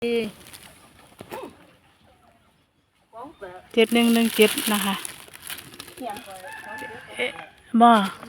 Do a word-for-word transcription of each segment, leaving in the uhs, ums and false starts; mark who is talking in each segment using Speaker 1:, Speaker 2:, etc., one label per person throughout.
Speaker 1: เจ็ดหนึ่งหนึ่งเจ็ดนะคะบ่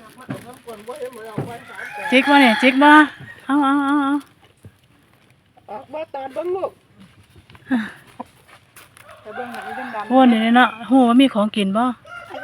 Speaker 1: จิกบ่เนี่ยจิกบ่เอาเอาเอาเอา
Speaker 2: ออกมาตอนเบิ้งลูกแต่เบิ้งหนังเป็นดำ
Speaker 1: โอ้นี่เนาะโหว่ามีของกินบ่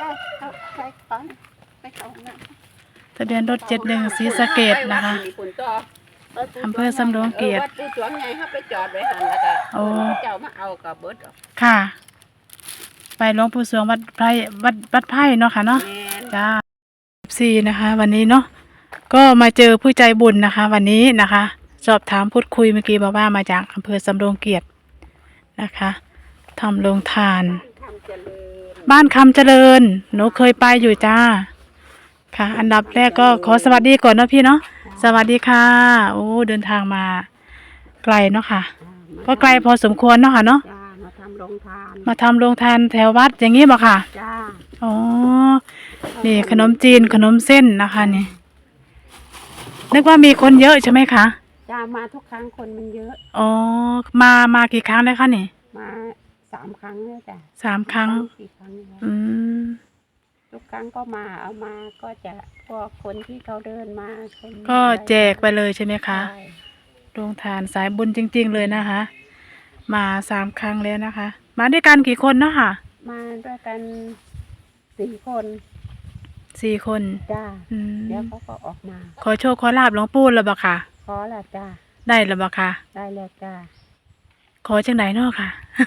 Speaker 1: ทะเบียนรถเจ็ดหนึ่งศรีสะเกษนะคะอำเภอสำโรงเกียรติ
Speaker 2: วัดปูสวงไงเขาไปจอดไว้หันแล้วก็โอ้เจ้ามาเอากับเบิด
Speaker 1: ค่ะไปหลวงปู่สวงวัดไพรวัดวัดไพรเนาะค่ะเนาะจ้าสี่นะคะวันนี้เนาะก็มาเจอผู้ใจบุญนะคะวันนี้นะคะสอบถามพูดคุยเมื่อกี้บอกว่ามาจากอำเภอสำโรงเกียรตินะคะทำโรงทานบ้านคำเจริญหนูเคยไปอยู่จ้าค่ะอันดับแรกก็ขอสวัสดีก่อนเนาะพี่เนาะสวัสดีค่ะโอ้เดินทางมาไกลเนาะค่ะก็ไกลพอสมควรเนาะค่ะเนาะ
Speaker 2: มาทำโรงทาน
Speaker 1: มาทำโรงทานแถววัดอย่างงี้บ่ค่ะ
Speaker 2: จ้า
Speaker 1: อ๋อนี่ขนมจีนขนมเส้นนะคะนี่นึกว่ามีคนเยอะใช่ไหมคะ
Speaker 2: จ้ามาทุกครั้งคนมันเยอะ
Speaker 1: อ๋อมามากี่ครั้งแล้วคะนี่
Speaker 2: มาสามครั้งแล้วจ้ะ
Speaker 1: สามครั้ง
Speaker 2: สี่ครั้งแล้ว
Speaker 1: อืม
Speaker 2: ทุกครั้งก็มาเอามาก็จะพวกคนที่เขาเดินมา
Speaker 1: ก็แจกไปเลยใช่ไหมคะโรงทานสายบุญจริงๆเลยนะคะมาสามครั้งแล้วนะคะมาด้วยกันกี่คนเนาะค่ะ
Speaker 2: มาด้วยกันสี่คน
Speaker 1: สี่คน
Speaker 2: จ้าเดี๋ยวเขาก็ออกมา
Speaker 1: ขอโชคขอลาบหลวงปู่แล้วบ่ค่ะ
Speaker 2: ขอแล้วจ้า
Speaker 1: ได้แล้วบ่ค่ะ
Speaker 2: ได้แล้วจ้า
Speaker 1: ขอจังไหนเนาะค่ะ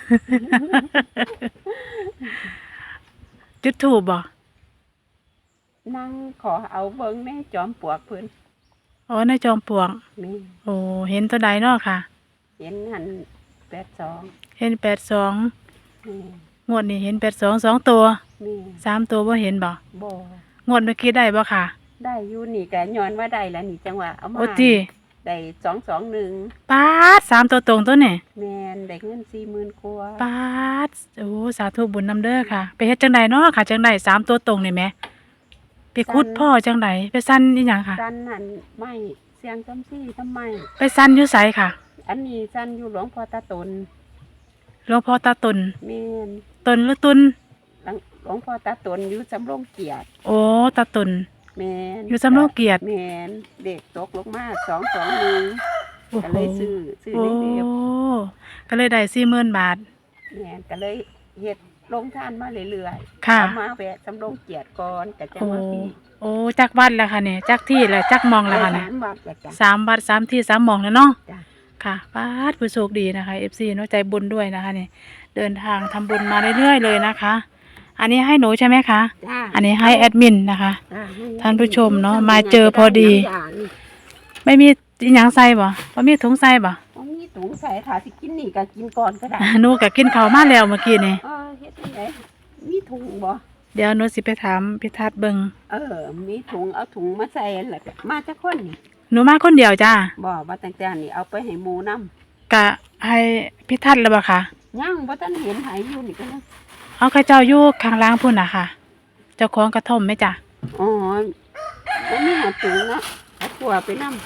Speaker 1: จุดธูปบ่
Speaker 2: นั่งขอเอาเบิ้งในจอมปลวกเพิ่น
Speaker 1: อ๋อในจอมปลวก
Speaker 2: นี่
Speaker 1: โอ้เห็นตัวใดเนาะค่ะ
Speaker 2: เห็นหันแปดสอง
Speaker 1: เห็นแปดสองงวดนี้เห็นแปดสองสองตัวสามตัวบ่เห็นบ่
Speaker 2: บ่
Speaker 1: งวดเมื่อกี้ได้บ่ค่ะ
Speaker 2: ได้อยู่นี่แกย้อนว่าได้แล้วนี่จังหวะเอามา
Speaker 1: โอ้จี
Speaker 2: ได้สองสองหนึ่ง
Speaker 1: ปาดสามตัวตรงตัวนี่
Speaker 2: แมนได้เงินสี่หมื่นกว่า
Speaker 1: ปาดโอ้สาธุบุญนำเด้อค่ะไปเฮ็ดจังใดเนาะค่ะจังใดสามตัวตรงนี่แหมไปคุดพ่อจังใดไปสั้นอีหยังค่ะ
Speaker 2: สั้นนั่นไม่เสียงจำซี่ทำไม
Speaker 1: ไปสั้นอยู่ไสค่ะ
Speaker 2: อันนี้สั้นอยู่หลวงพ่อตาตน
Speaker 1: หลวงพ่อตาตน
Speaker 2: แมน
Speaker 1: ตนหรือตุน
Speaker 2: หลวงพ่อตาตนอยู่สำโรงเกียรติ
Speaker 1: โอ้ตาตน
Speaker 2: แมน
Speaker 1: อยู่สำโรงเกียรติ
Speaker 2: แมนเด็กตกลงมาสองสองหนึ่งก็เลยซื้อซื้อเด็ก
Speaker 1: ๆก็เลยได้สี่หมื่นบาท
Speaker 2: แมนก็เลยเฮ็ดลงทานมาเรื่อย
Speaker 1: ๆค่ะ
Speaker 2: มาแวะสำโรงเกียรติก่อนแต่จะมาปี
Speaker 1: โอ้จักวัดแล้วค่ะเนี่ยจักที่แล้วจักมองแล้วค่ะเนี่ยสามวัดสามที่สามมองแล้วเนาะค่ะป้าดผู้โชคดีนะคะ เอฟ ซี เนาะใจบุญด้วยนะคะเนี่ยเดินทางทำบุญมาเรื่อยๆเลยนะคะอันนี้ให้หนูใช่ไหมคะอันนี้ให้แอดมินนะคะท่านผู้ชมเนาะมาเจอพอดีไม่มีหยังใส่บ่ว่ามีถุงใส่บ่
Speaker 2: มีถุงใส่ถ้าสิกินนี่ก็กินก่อนก็ได้
Speaker 1: หนูก็กินข้าวมาแล้วเมื่อกี้นี่
Speaker 2: เออเฮ็ดจังได๋มีถุงบ่
Speaker 1: เดี๋ยวหนูสิไปถามพิทัศน์เบิ่ง
Speaker 2: เออมีถุงเอาถุงมาใส่แล้วก็มาจักคนนี่
Speaker 1: หนูมาคนเดียวจ้า
Speaker 2: บ่ว่าตั้งแต่นี่เอาไปให้หมู่นำ
Speaker 1: กะให้พิทัศน์แล้วบ่ค่ะ
Speaker 2: ยังบ่ทันเห็นให้อยู่นี่ก็
Speaker 1: เอาข้าเจ้าอยู่ข้างล่างพุ่นน่ะค่ะเจ้าของกระท่อมไหมจ้ะ
Speaker 2: อ๋อบ่มีหาถุงเนาะเอาตัวไปนำ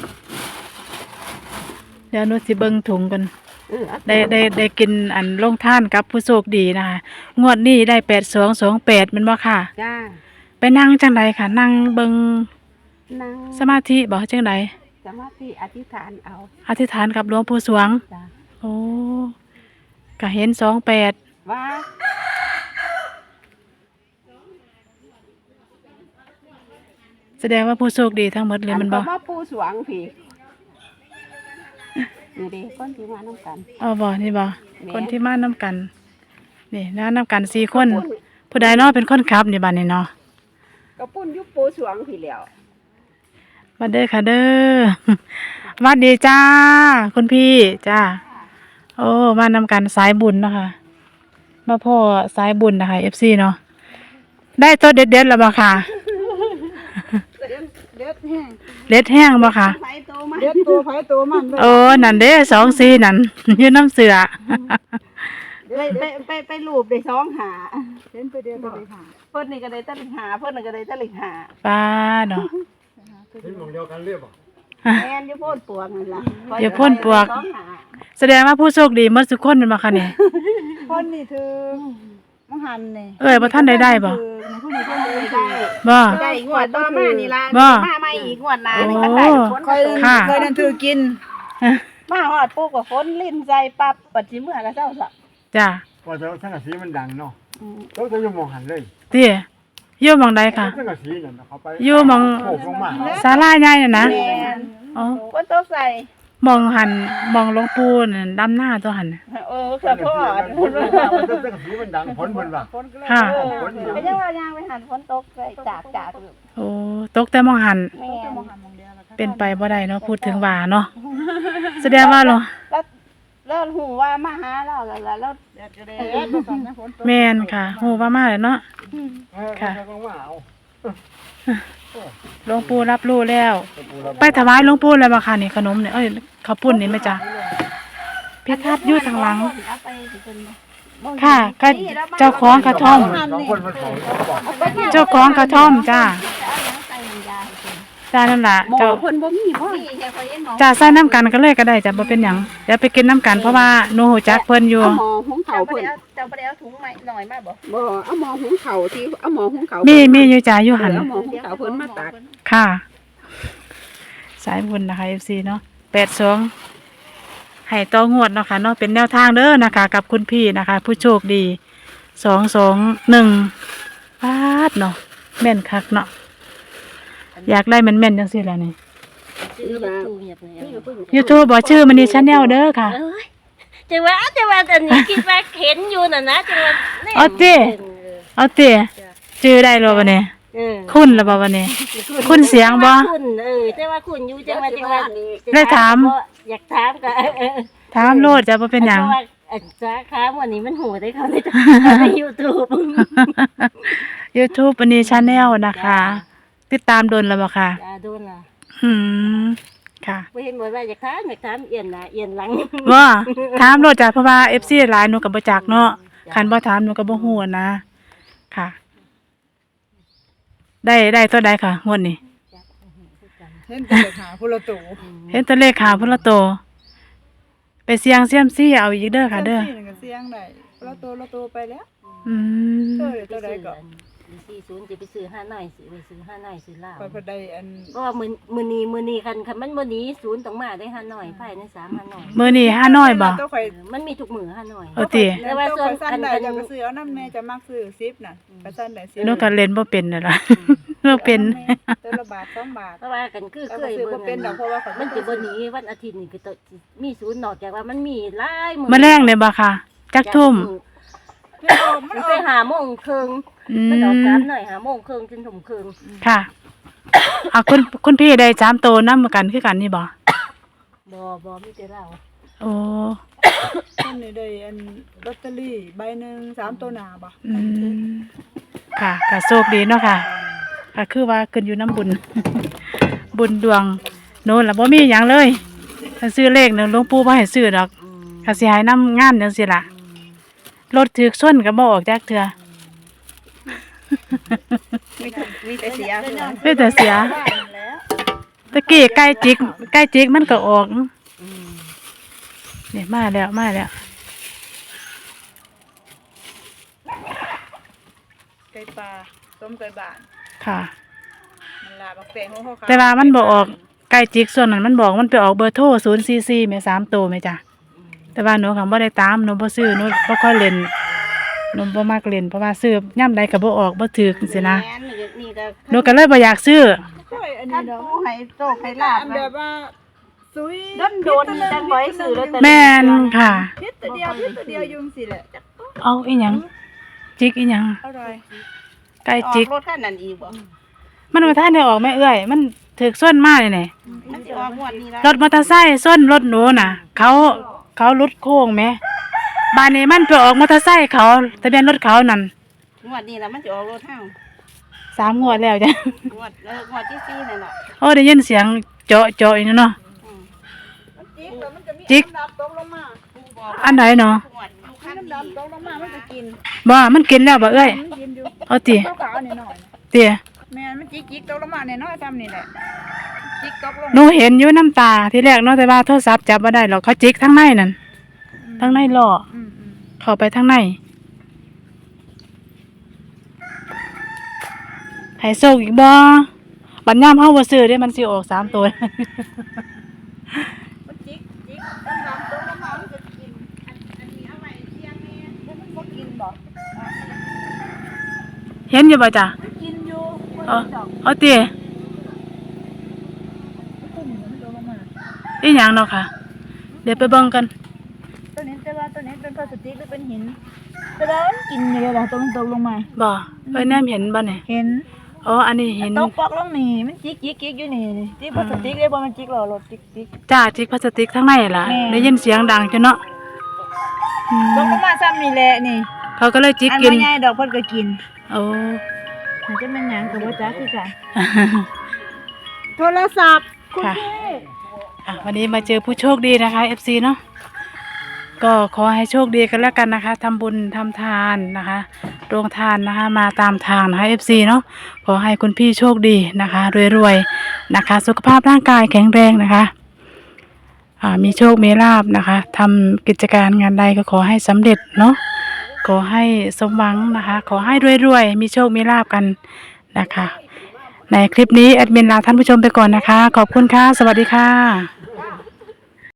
Speaker 1: เดี๋ยวหนูสิเบิ่งถุงกันได้ได้ได้กินอันลงท่านกับผู้โชคดีนะคะงวดนี้ได้แปดสองสองแปดมันบ่ค่ะ
Speaker 2: จ้า
Speaker 1: ไปนั่งจังไดค่ะนั่งเบิ่ง
Speaker 2: นั่ง
Speaker 1: สมาธิบ่จังได
Speaker 2: สมาธิอธิษฐานเอา
Speaker 1: อธิษฐานกับหลวงปู่สวง
Speaker 2: จ้า
Speaker 1: โอ้ก็เห็นสองแปด
Speaker 2: ว่า
Speaker 1: แสดงว่าผู้โชคดีทั้งหมดเลยมันบ่
Speaker 2: ว่าปู่สวงพี่นี่ดิคนที่มาน้ำกัน
Speaker 1: อ๋อบ่นี่บ่คนที่มาน้ำกันนี่นะน้ำกันสี่คนผู้ใดเนาะเป็นคนขับนี่บ้านนี่เนาะ
Speaker 2: ก็ปุ่นยุบปู่สวงพี่แล้ว
Speaker 1: วัดเด้อค่ะเด้อวัดดีจ้าคุณพี่จ้าโอ้มานำกันสายบุญนะคะมาพ่อสายบุญนะคะ เอฟ ซี เนาะได้ตัวเด็ดเด็ดแล้วบ่ค่ะ
Speaker 2: เด็ดแห้ง
Speaker 1: เด็ดแห้งบ่ค่ะ
Speaker 2: เด็ดตัวไผตัวมัน
Speaker 1: โอ้นั่นเด้สองสี่นั่นยืนน้ำเสือ
Speaker 2: ไปไปไปไปรูปได้สองหาเห็นไปเดียวก็ได้หาเพิ่นนี่ก็ได้ตะลิงหาเพิ่นนี่ก็ได้ตะลิงหา
Speaker 1: ป้าเนาะ
Speaker 3: เห็นมองเดียวกันเรียบบ่
Speaker 2: แม่นอยู่โพ่นปวกนั่นล่ะ
Speaker 1: อยู่โพ่นปวก
Speaker 2: สองหา
Speaker 1: แสดงว่าผู้โชคดีหมดทุกคนแม่นบ่คะนี่
Speaker 2: คนนี่ถือมังหันนี่
Speaker 1: เอ้ยบ่ทันได้ได้บ่
Speaker 2: ผู้นี้เพิ่นได้
Speaker 1: บ่
Speaker 2: ได้งวดต่อมานี่ล่ะ
Speaker 1: บ่
Speaker 2: มาใหม่อีกงวดหน้านี่ก็ได้ทุกคน
Speaker 3: เคย
Speaker 1: ค่ะ
Speaker 3: เคยนั่นถือกิน
Speaker 2: มาฮอดปุ๊บก็ฝนลิ้นใจปั๊บปัดสิเมื่อก็เจ้าซะ
Speaker 1: จ้า
Speaker 4: พอเจ้าสังกะสีมันดังเนาะต้องจะอยู่มองหันเลย
Speaker 1: ติอยู่หม่องใดค่ะ
Speaker 4: สังกะสีนั่นน่ะเขาไป
Speaker 1: อยู่หม่อง
Speaker 4: โขกลงมา
Speaker 1: ศาลาใหญ่น่ะนะ
Speaker 2: แม่น
Speaker 1: อ๋อ
Speaker 2: ฝนตกใส่
Speaker 1: หม่องหันหม่องหลวงปู่นั่นดำหน้าตัวหันน่ะ
Speaker 2: เออค่ะพ่อ
Speaker 4: ฝนมันว่ามันสังกะสีมันดังฝนเพิ่นว่า
Speaker 1: ค่ะ
Speaker 4: ฝน
Speaker 2: ก็ยังว่ายางไปหันฝนตกใส่จากจาก
Speaker 1: โอ้ตกแต่หม่องหัน
Speaker 2: แม่น
Speaker 1: เป็นไปบ่ได้เนาะพูดถึงว่าเนาะแสดงว่าเหรอ
Speaker 2: แล้วแล้วหูว่ามาหาเราแล้วแล้วแล้วเออ
Speaker 1: แม่นค่ะฮู้ว่ามาแล้วเนาะ
Speaker 4: ค่ะลงมาเอา
Speaker 1: หลวงปู่รับรู้แล้ว ไปถวายหลวงปู่แล้วบ่ค่ะนี่ขนมเนี่ยเอ้ยข้าวปุ้นนี่แม่จ้ะเพชรทัดอยู่ทางหลัง ค่ะก็เจ้าของกระท่อม
Speaker 4: สองคนมันเขาบอก
Speaker 1: เจ้าของกระท่อมจ้าจ้านั่นล่ะ
Speaker 2: หมอ
Speaker 1: เจ้า
Speaker 2: เพิ่นบ่มีบ่มีแค่คนเห็นหมอ
Speaker 1: จ้าใส่น้ำกันก็เลยก็ได้จ้ะบ่เป็นหยังเดี๋ยวไปกินน้ำกันเพราะว่าหนูรู้จักเพิ่นอยู่
Speaker 2: เอาหมอหุงข้าวเพิ่นเจ้าบ่ได้เอาถุงใหม่หน่อยมาบ่บ่เอาหมอหุงข้าวที่เอาหมอหุงข้าว
Speaker 1: มีมีอยู่จ้าอยู่หัน
Speaker 2: เอาหมอหุงข้าวเพิ่นมาตัก
Speaker 1: ค่ะ สายบุญนะคะ เอฟ ซี เนาะแปดสองให้ต่องวดเนาะค่ะเนาะเป็นแนวทางเด้อนะคะ กับคุณพี่นะคะ ผู้โชคดีสองสองหนึ่งบาทเนาะแม่นคักเนาะอยากได้แม่นแม่นๆจังซี่ล่ะนี่
Speaker 2: ชื่อว่านี่ก็เพิ่น
Speaker 1: ยูทูบบอกชื่อมันนี่ชาแนลเด้อค่ะ
Speaker 5: เอ้ยจังว่าจังว่าตอนนี้คิดว่าเห็นอยู่น่ะนะจังว่าแน่
Speaker 1: เอาติ เอาเตี๋ยชื่อได้หรอวะเนี่ย
Speaker 5: เออ
Speaker 1: คุณหรือเปล่าวะเนี่ย คุณเสียงบ่
Speaker 5: คุณเออจังว่าคุณอยู่จังว่าจังว่า
Speaker 1: ได้ถาม
Speaker 5: อยากถามก็เออ
Speaker 1: ถามโลดจะบ่เป็นหยัง
Speaker 5: พราะว่าอันสาขาวันนี้มันโหได้เขาในใน YouTube
Speaker 1: YouTube อันนี้ชาแนลนะคะ ติดตามโดนแล้วบ่ค่ะ
Speaker 5: จ้าโดนล่ะ
Speaker 1: อืมค่ะ
Speaker 5: บ่เห็นบ่ว่าอยากถามอยากถามเอียนหน้าเอียนหลัง
Speaker 1: ว่าถามโลดจ้ะเพราะว่า เอฟ ซี หลายหนูก็บ่จักเนาะคันบ่ถามหนูก็บ่ฮู้นะ ค่ะ ได้ได้ตัวใดค่ะงวดนี้
Speaker 3: เห็นแต่เด็กหาผู้ละตู่
Speaker 1: เห็นตัวเลขขาวพุ่นละโต ไปเสี่ยงเสี่ยมซี่เอาอีกเด้อค่ะเด้อ
Speaker 3: สี่นั่นก็เสียงได้ผู้ละตู่ละตู่ไปแล้ว
Speaker 1: อืม
Speaker 3: เออตัวใดก็
Speaker 5: สี่ศูนย์จะไปซื้อห้าหน่อยสิไปซื้อห้าหน่อยซื้อเหล้า
Speaker 3: ไปพอได้อัน
Speaker 5: ก็ว่ามื้อมื้อนี้มื้อนี้คันคันมันบ่หนีศูนย์ต้องมาได้ห้าหน่อยภายในสามห้าหน่อย
Speaker 1: มื้อนี้ห้าน้อยบ่
Speaker 3: ตัวข่อย
Speaker 5: เออมันมีทุกมื้อห้าหน่อย
Speaker 1: เอาติ
Speaker 5: แต่ว่าส่วน
Speaker 3: ตัวข่อยสั้นได้
Speaker 5: อัน
Speaker 3: จะก็ซื้อเอาน้ำแม่จะมักซื้อสิบน่ะก็สั้นได้สิบ
Speaker 1: หนูก็เล่นบ่เป็นนั่นล่ะ หนูเป็น
Speaker 3: ตัวละบาทสองบาท
Speaker 5: เพราะว่ากันคือ
Speaker 3: แต่
Speaker 5: เค
Speaker 3: ก็
Speaker 5: ย
Speaker 3: ซื้อ
Speaker 5: เบิ่
Speaker 3: บ่
Speaker 5: ง
Speaker 3: เป็นดอกเพราะว่าข่อย
Speaker 5: มันจะบ่หนีวันอาทิตย์นี่คือต้องมีศูนย์นอกจากว่ามันมีหลายมื้อ
Speaker 1: มื้อแรงเลยบ่ค่ะ จักทุ่ม
Speaker 3: มันออกมัน
Speaker 5: มัน
Speaker 3: อ
Speaker 5: ไป
Speaker 3: อก
Speaker 5: หาโมงครึ่ง
Speaker 1: อื
Speaker 5: มันออกสาม
Speaker 1: ม
Speaker 5: หน่อยหาโมงครึ่งจนทุ่มครึ่ง
Speaker 1: ค่ะเอาคุณคุณพี่ได้สามโตนำกันคือกันนี่บ่
Speaker 5: บ่บ่มีแต่เรา
Speaker 1: โอ้
Speaker 3: มันนี่ได้อันลอตเตอรี่ใบหนึงสามตัวหน้าบ่
Speaker 1: อืมค่ะก็โชคดีเนาะค่ะก็คือว่าขึ้นอยู่น้ำบุญ บุญดวงโน่นล่ะบ่มีหยังเลยถ้าซื้อเลขเนี่ยหลวงปู่บ่ให้ซื้อดอก
Speaker 5: อืม
Speaker 1: ก็สิให้นำงานจังซี่ล่ะ รถถึกชนก็บ่ออกจักเทื่อ
Speaker 2: มีแต่มีแต่เสียเพิ่นน่ะ
Speaker 1: เป็นแต่เสีย
Speaker 3: บ้านนั่นแหล้ว
Speaker 1: ตะกี้ใกล้จิกใกล้จิกมันก็ออก
Speaker 5: อืม
Speaker 1: นี่มาแล้วมาแล้ว
Speaker 3: ไก่ปลาต้มไก่บ้าน
Speaker 1: ค่ะ
Speaker 3: มันลาบักแตงของเขาขย
Speaker 1: แต่ว่ามันบ่ออกใกล้จิกส่วนนั้นมันบอกมันไปออกเบอร์โทรศูนย์ สี่ สี่แม่สามตัวแม่จ้ะแต่ว่าหนูก็บ่ได้ตามหนูบ่ซื้อหนูบ่ค่อยเล่นหนูบ่มักเล่นเพราะว่าซื้อย่ำใดก็บ่ออกบ่ถูกจังซี่นะ
Speaker 2: แม่นี่ก็นี่ก็
Speaker 1: หนูก็เลยบ่อยากซื้อ
Speaker 3: โอ้ยอัน
Speaker 2: ท่า
Speaker 3: นี้
Speaker 2: น
Speaker 3: ดอก
Speaker 2: ผู้ให้โชคให้ลาบ
Speaker 3: อันแบบว่าซุย
Speaker 2: โดนโดนจังบ่ให้ซื้อลอตเตอรี่
Speaker 1: แม่นค่ะ
Speaker 3: พิษตัวเดียวพิษตัวเดียวอยุ่จังสิแหละ
Speaker 1: เอาอีหยังจิกอีหยัง
Speaker 3: อร่อย
Speaker 1: ใกล้
Speaker 2: ออ
Speaker 1: จิก
Speaker 2: กรถคันนั้นอีกบ่
Speaker 1: มันบ่ทันได้ออกแม่เอื้อยมันถูกส่วนมาเลยนี่
Speaker 2: มันสิออกงวดนี้ล่ะ
Speaker 1: รถมอเตอร์ไซค์ส้นรถหนูน่ะ เขาเขาลุดโค้งไหมบ้านนี้มันไปออกมอเตอร์ไซค์เขาทะเบียนรถเขานั่น
Speaker 2: งวดนี้ล่ะมันสิออกรถเฮา
Speaker 1: สามงวดแล้วจ้ะ
Speaker 2: งวดเอองวดที่สี่นั่นน่ะ
Speaker 1: โอ้ได้ยินเสียงเจาะเจาะอีกเนาะ
Speaker 2: อืม
Speaker 3: จิกแล้วมันจะมี
Speaker 1: จิก
Speaker 3: น้ำดำตกลงมา
Speaker 2: ผู้บอก
Speaker 1: อันไหนเนาะ
Speaker 2: งวดอยู่คัน
Speaker 3: น้ำ
Speaker 2: นี้
Speaker 3: ดำตกลงมามันจะกิน
Speaker 1: บ่มันกินแล้วบ่เอ้ย
Speaker 3: มันกินอยู่
Speaker 1: เอาติ
Speaker 3: ขาวๆนี่หน่อย
Speaker 1: ติ
Speaker 3: แม่นมันจิกจิกตกลงมาเนี่ยน้อยทำนี่แหละ
Speaker 2: จิกตกลง
Speaker 1: หนูเห็นอยู่น้ำตาที่แรกเนาะแต่ว่าโทรศัพท์จับบ่ได้หรอกเขาจิกทั้งในนั่นทั้งในล้อ
Speaker 2: อืมอืม
Speaker 1: เข้าไปทั้งในให้โชคอีกบ่บัดยามเฮาบ่ซื้อเด้มันสิออกสามตัว
Speaker 2: มันจิกจิกต้นน้ำต้นน้ำมันจะกินอันอันนี้เอาไว้เที่ยงนี่แล้วมันบ่กินบ่
Speaker 1: เห็นอยู่บ่จ้ะ
Speaker 2: มันกินอยู่บ่
Speaker 1: เอา
Speaker 2: กินดอก
Speaker 1: เอาติ
Speaker 2: ตุ่มมันโดนลงมา
Speaker 1: อีหยังเนาะค่ะ เดี๋ยวไปเบิ่งกัน
Speaker 2: ตัวนี้แต่ว่าตัวนี้เป็นพลาสติกหรือเป็นหินแต่ว่ามันกินอยู่แล้วล่ะตัวมันตกลงมา
Speaker 1: บ่เอ้ยแนมเห็นบ่เนี่ย
Speaker 2: เห็น
Speaker 1: อ๋ออันนี้เห็น
Speaker 2: ตกปอกลงนี่มันจิกจิกจิกอยู่นี่จิกพลาสติกเลยบ่มันจิกหรอรถจิกจิก
Speaker 1: จ้าจิกพลาสติกทั้งในล่ะ
Speaker 2: แม่
Speaker 1: ได้ยินเสียงดังจ้ะเนาะอืม
Speaker 2: ตกลงมาซ้ำนี่แหละนี่
Speaker 1: เขาก็เลยจิก
Speaker 2: อัน
Speaker 1: กิน
Speaker 2: ว่าใหญ่ดอกเพิ่นก็กิน
Speaker 1: โอ้
Speaker 2: มันจะเป็นหยังก็บ่จักคือกันโทรศัพท์คุณ
Speaker 1: ค่ะ
Speaker 2: พี่
Speaker 1: อ่ะวันนี้มาเจอผู้โชคดีนะคะ เอฟ ซี เนาะก็ขอให้โชคดีกันแล้วกันนะคะทำบุญทำทานนะคะโรงทานนะคะมาตามทางนะคะ เอฟ ซี เนาะขอให้คุณพี่โชคดีนะคะรวยๆนะคะ สุขภาพร่างกายแข็งแรงนะคะอ่ามีโชคมีลาภนะคะทำกิจการงานใดก็ขอให้สำเร็จเนาะขอให้สมหวังนะคะ ขอให้รวยๆมีโชคมีลาภกันนะคะ ในคลิปนี้แอดมินลาท่านผู้ชมไปก่อนนะคะ ขอบคุณค่ะ สวัสดีค่ะ